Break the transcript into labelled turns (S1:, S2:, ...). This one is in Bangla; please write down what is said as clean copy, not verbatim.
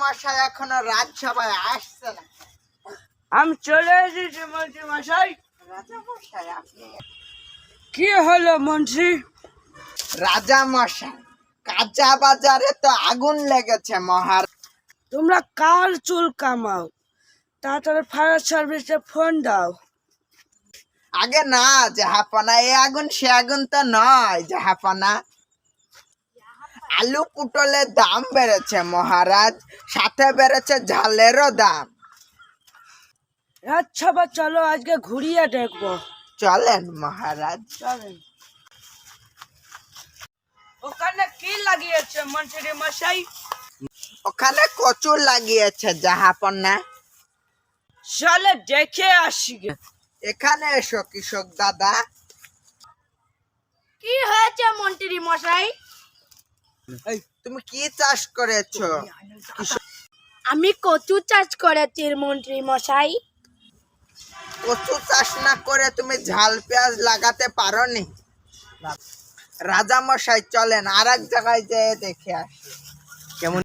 S1: মশাই এখনো রাজসভায় আসছে না।
S2: আমি চলে এসেছি মন্ত্রী মশাই।
S1: রাজা মশাই আপনি?
S2: কি হলো মন্ত্রী?
S1: রাজা মশাই, কাঁচা বাজারে তো আগুন লেগেছে মহারাজ।
S2: তোমরা কার চুল কামাও? তাড়াতাড়ি ফায়ার সার্ভিসে ফোন দাও।
S1: আগে না জাহাপনা, এই আগুন সে আগুন তো নয় জাহাপনা। আলু পুটলের দাম বেড়েছে মহারাজ, সাথে বেড়েছে ঝালেরও দাম।
S2: আচ্ছা বা চলো আজকে ঘুরিয়ে দেখবো।
S1: চলেন মহারাজ।
S2: চলেন। ওখানে কি লাগিয়েছে মন্ত্রী মশাই?
S1: ওখানে কচু লাগিয়েছে জাহাপনা।
S2: চলে দেখে আসি গে।
S1: এখানে এসো কৃষক দাদা।
S3: কি হয়েছে মন্ত্রী মশাই?
S1: তুমি কি চাষ করেছো?
S3: আমি কচু চাষ করেছি মন্ত্রী মশাই।
S1: কচু চাষ না করে তুমি ঝাল পেঁয়াজ লাগাতে পারোনি? রাজা মশাই চলেন আর এক জায়গায় যেয়ে দেখে আসি কেমন।